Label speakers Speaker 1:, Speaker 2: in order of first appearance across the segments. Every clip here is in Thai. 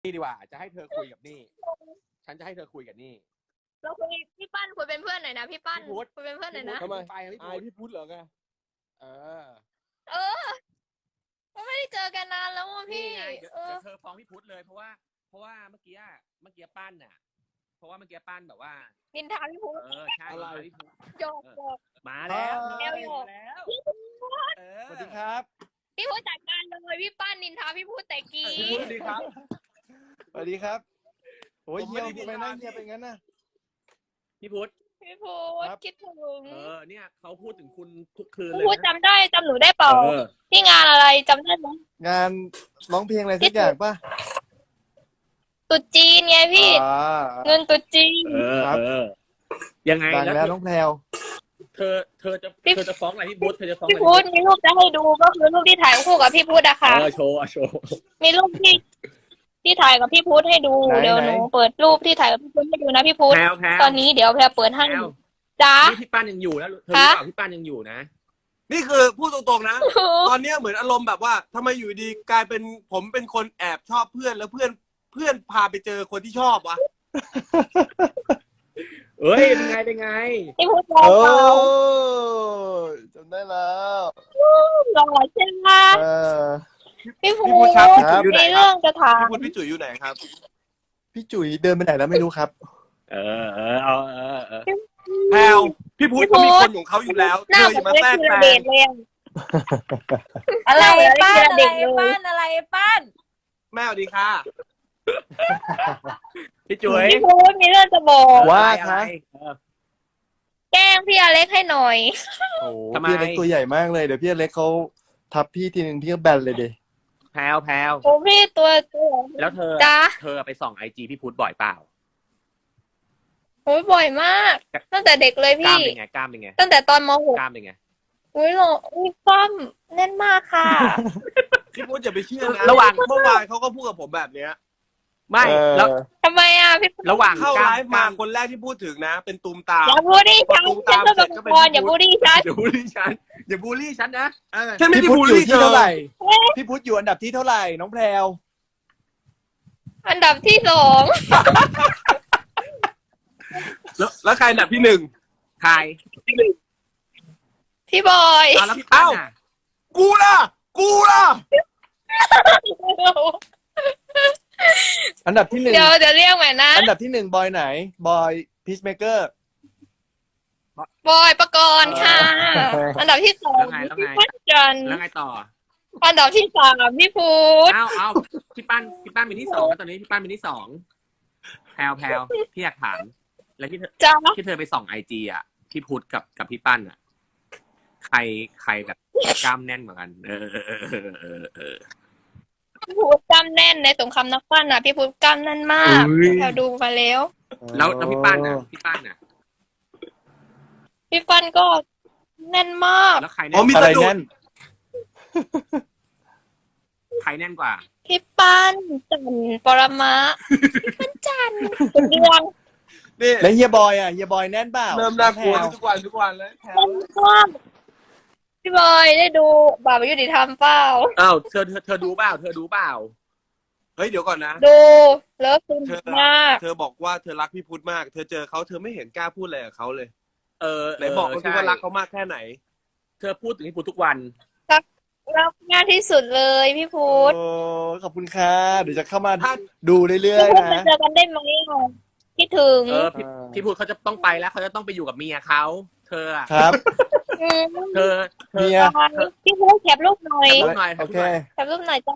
Speaker 1: นี่ดีกว่าจะให้เธอคุยกับนี่ฉันจะให้เธอคุยกับนี่
Speaker 2: เราคุยพี่ปั้นคุยเป็นเพื่อนหน่อยนะพี่ปั้นคุยเป็นเพื่อนหน่อยนะ
Speaker 3: ทำไม
Speaker 1: ไปพี่
Speaker 3: อาย
Speaker 1: พุทธ
Speaker 3: พี่พุทธเหรอไง
Speaker 1: เออ
Speaker 2: ก็ไม่ได้เจอกันนานแล้วอ่ะ
Speaker 1: นี่
Speaker 2: พี่
Speaker 1: ไงเดี๋ยวเธอฟ้องพี่พุทธเลยเพราะว่าเมื่อกี้ปั้นน่ะเพราะว่าเมื่อกี้ปั้นแบบว่า
Speaker 2: นินทาพี่พุทธ
Speaker 1: ใช่พี่พุทธ
Speaker 2: โยก
Speaker 1: มาแล้ว
Speaker 2: แอลโยก
Speaker 1: แล้ว
Speaker 3: สวัสดีครับ
Speaker 2: พี่พุทธจัดการเลยพี่ปั้นนินทาพี่พุทธแต่กี้
Speaker 3: พี่พุทธสวัสดีครับ สวัสดีครับโอ้ย
Speaker 1: ผม
Speaker 3: เฮี
Speaker 1: ไม่
Speaker 3: ย
Speaker 1: ได้
Speaker 3: ทำไมหน้าเฮียเป็นงั้นน่ะ
Speaker 1: พี่พุทธ
Speaker 2: พี่พุทธคิดถึง
Speaker 1: เนี่ยเขาพูดถึงคุณทุกคืน
Speaker 2: พี่
Speaker 1: เลย
Speaker 2: พุทธ
Speaker 1: นะ
Speaker 2: จำหนูได้เปล่าที่งานอะไรจำได้ไหม
Speaker 3: งานร้องเพลงอะไรสักอย่างป่ะ
Speaker 2: ตุ๊ดจีนไงพี่ เงินตุ๊ดจีน
Speaker 3: ครับ
Speaker 1: ยังไง
Speaker 3: ดังแล้วน้องแพรว
Speaker 1: เธอจะฟ้องอะไรพี่พุทธเธอจะฟ้อง
Speaker 2: พี่
Speaker 1: อะไร
Speaker 2: พุทธมีรูปจะให้ดูก็คือรูปที่ถ่ายคู่กับพี่พุทธอะค่ะ
Speaker 1: โชว์
Speaker 2: มีรูปที่ถ่ายกับพี่พุทธให้ดูเดี๋ยวหนูเปิดรูปที่ถ่ายกับพี่พุทธให้ดูนะพี่พุทธ
Speaker 1: แพรว
Speaker 2: ตอนนี้เดี๋ยวแพรเปิดให้จ้า
Speaker 1: นี่พี่ปั้นยังอยู่นะเธอรู้เปล่าพี่ปั้นยังอยู่นะ
Speaker 4: นี่คือพูดตรงๆนะ ตอนเนี้ยเหมือนอารมณ์แบบว่าทำไมอยู่ดีกลายเป็นผมเป็นคนแอบชอบเพื่อนแล้วเพื่อนพาไปเจอคนที่ชอบวะ
Speaker 1: เอ้ยเป็นไง
Speaker 2: พี่พุทธ
Speaker 3: โอ้
Speaker 2: เรา
Speaker 3: จำได้แล้ว
Speaker 2: หล่อใช่ไหม
Speaker 3: เออ
Speaker 2: พี่พุท
Speaker 4: พี่พุทธครับพี่จุ๋ยอยู่ไหน
Speaker 2: มี
Speaker 4: ครั
Speaker 2: เรื่
Speaker 4: บ
Speaker 2: องจะถาม
Speaker 4: พี่พุทธพี่จุ๋ยอยู่ไหนครับ
Speaker 3: พี่จุ๋ยเดินไปไหนแล้วไม่รู้ครับ
Speaker 1: เอา
Speaker 4: แพลวพี่พุทธเขามีคนของเขาอยู่แล้ว
Speaker 2: หน้า
Speaker 4: เธออย่ามาแทรกแซ
Speaker 2: เด็
Speaker 4: ง
Speaker 2: กเลยอะ
Speaker 5: อะไรป้าน
Speaker 2: เด็
Speaker 5: อะ
Speaker 2: ก
Speaker 5: ไร
Speaker 2: เลย
Speaker 5: ป้านอะไรป้าน
Speaker 4: แม่สวัสดีค่ะ
Speaker 1: พี่จุ๋ย
Speaker 2: พี่พุทธมีเรื่องจะบอก
Speaker 3: ว่า
Speaker 1: อะไร
Speaker 3: คะ
Speaker 2: แกล้งพี่อเล็กให้หน่อย
Speaker 3: โอ้
Speaker 1: ทำไม
Speaker 3: พี่เล็กตัวใหญ่มากเลยเดี๋ยวพี่เล็กเขาทับพี่ทีนึงพี่ก็แบนเลยดิ
Speaker 1: แพรว
Speaker 2: โอ้พี่ตัว
Speaker 1: แล้วเธอ
Speaker 2: จ้า
Speaker 1: ไปส่องไอจีพี่พุทธบ่อยเปล่า
Speaker 2: โอ้ยบ่อยมาก ตั้งแต่เด็กเลย
Speaker 1: กล้าม
Speaker 2: พี่
Speaker 1: เป็นไงกล้ามเป็นไง
Speaker 2: ตั้งแต่ตอนม .6
Speaker 1: กล้ามเป็นไง
Speaker 2: อุ้ยหล่ออุ้ยป้อมแน่นมากค่ะ
Speaker 4: พี่พุทธอย่าไปเชื่อนะ
Speaker 1: ระหว่าง
Speaker 4: เมื่อวานเขาก็พูดกับผมแบบเนี้ย
Speaker 1: ไม่
Speaker 3: เออ
Speaker 1: แล้ว
Speaker 2: ทำไมอ่ะพี่
Speaker 1: ระหว่าง
Speaker 4: เข้าก
Speaker 1: ล้า
Speaker 4: ไล
Speaker 1: ม
Speaker 4: ฟ์มาคนแรกที่พูดถึงนะ เป็นตูมตาม
Speaker 2: อย่าบูลลี่ฉันฉันเป็นบางคนอย่าบูลลี่ฉัน
Speaker 1: อย่าบูลลี่ฉันอย่าบูลลี่ฉันนะ
Speaker 4: ฉันไม่
Speaker 3: พี่
Speaker 4: ได้
Speaker 3: พุท
Speaker 4: บู
Speaker 3: ธ
Speaker 4: ล
Speaker 3: อยู่
Speaker 4: ลี่
Speaker 3: ที่
Speaker 4: เธอ
Speaker 3: เท่าไหร่ พี่พุทธอยู่อันดับที่เท่าไหร่น้องแพรว
Speaker 2: อันดับที่สอง
Speaker 4: แล้วใครอันดับที่หนึ่ง
Speaker 1: ใคร
Speaker 2: พี่บอย
Speaker 1: แล้วพี่ปั้นน่ะ
Speaker 4: กูล่ะ
Speaker 3: อันดับที่หนึ่ง
Speaker 2: เดี๋ยวเรียกใหม่นะ
Speaker 3: อันดับที่หนึ่งบอยไหนบอยพีชเมเกอร์
Speaker 2: บอยประกรณ์ค่ะ อันดับที่สอง
Speaker 1: แล้ว
Speaker 2: พี่
Speaker 1: ไง
Speaker 2: พัชจันทร์
Speaker 1: แล้วไงต่อ
Speaker 2: อันดับที่สามพี่พุทธ
Speaker 1: เอาพี่ปั้นเป็นที่สองแล้วตอนนี้พี่ปั้นเป็นที่สองแพรวพี่อยากถาม แล้วที่เธอไปส่องไอจีอ่ะพี่พุทธกับพี่ปั้นอ่ะ ใครแบบกล้ามแน่นกว่ากัน
Speaker 2: พี่พุทธกล้ามแน่นในสงครามนักปั้นอ่ะพี่พุทธกล้ามแน่นมากเราดูมาแล้ว
Speaker 1: แล้วพี่ปั้นน่ะ
Speaker 2: พี่ปั้นก็แน่นมาก
Speaker 1: แล้วใคร
Speaker 4: อ๋อมี
Speaker 3: อะไร
Speaker 4: สะดุด
Speaker 3: แน่น
Speaker 1: ใครแน่นกว่า
Speaker 2: พี่ปั้นจันทร์ปรมะพี่ปั้นจันทร์เดือน
Speaker 4: นี่
Speaker 3: แล้วเฮียบอยอ่ะเฮียบอยแน่นเปล่า
Speaker 4: เริ่มน่ากลัว
Speaker 3: แพร
Speaker 4: ทุกวันเลยแพลว
Speaker 2: แน่นมากพี่บอยได้ดูบาปยุติธรรมเปล่า
Speaker 1: อ้าวเธอดูเปล่า
Speaker 4: เฮ้ยเดี๋ยวก่อนนะ
Speaker 2: ดูแล้วซึ้งมาก
Speaker 4: เธอบอกว่าเธอรักพี่พุทธมาก เธอเจอเขาเธอไม่เห็นกล้าพูดอะไรกับเขาเลย ไหนบอกเขาว่ารักเขามากแค่ไหน
Speaker 1: เธอพูดถึงพี่พุทธทุกวัน
Speaker 2: รักมากที่สุดเลยพี่พุทธ
Speaker 3: โอ้ขอบคุณค่ะเดี๋ยวจะเข้ามาดูเรื่อย
Speaker 2: พี่พุทธ
Speaker 3: ๆ
Speaker 2: มา
Speaker 3: นะ
Speaker 2: เจอกันได้ไหมอ่ะคิดถึง
Speaker 1: พี่พุทธเขาจะต้องไปแล้วเขาจะต้องไปอยู่กับเมียเขาเธออะ
Speaker 3: ครับ
Speaker 1: เธอ
Speaker 3: เมีย
Speaker 2: พี่พุทธแคปรูปหน่อย
Speaker 1: รูปหน่อย
Speaker 3: โอเค
Speaker 2: แคปรูปหน่อยจ้า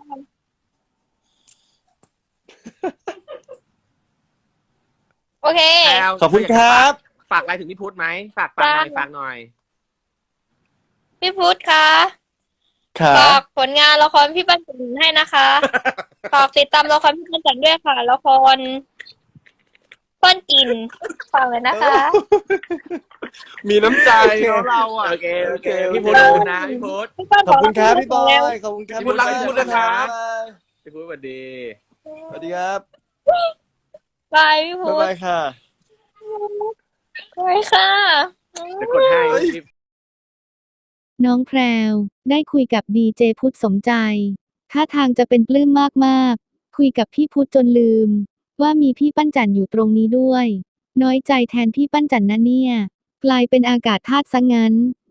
Speaker 2: โอเค
Speaker 3: ขอบคุณครับ
Speaker 1: ฝากอะไรถึงพี่พุทธไหมฝากหน่อย
Speaker 2: พี่พุทธคะ
Speaker 3: ขา
Speaker 2: ฝากผลงานละครพี่ปั้นจันทร์ให้นะคะ ฝากติดตามละครพี่ปั้นจันทร์ด้วยค่ะละครป้อนกินฝากเลยนะคะ
Speaker 4: มีน้ำใจเราอ่ะ
Speaker 1: โอเคพี่พุทธขอบคุณนะพี่พุทธ
Speaker 2: พี่ปั้น
Speaker 3: ขอบคุณครับพี่บอ
Speaker 2: แล้ว
Speaker 3: ยขอบคุณครับ
Speaker 4: พี่พุทธรักพี่พุทธนะครับ
Speaker 1: พี่พุทธสวัสดี
Speaker 3: สวัสดีครับ
Speaker 2: บายพี่พุ
Speaker 3: บ๊าย
Speaker 2: ทธ
Speaker 3: บายค่ะ
Speaker 2: บายค่ะ
Speaker 1: จะกดให้
Speaker 6: น้องแพรวได้คุยกับดีเจพุทธสมใจท่าทางจะเป็นปลื้มมากคุยกับพี่พุธจนลืม ว่ามีพี่ปั้นจันอยู่ตรงนี้ด้วย น้อยใจแทนพี่ปั้นจันนะเนี่ย กลายเป็นอากาศธาตุซะงั้น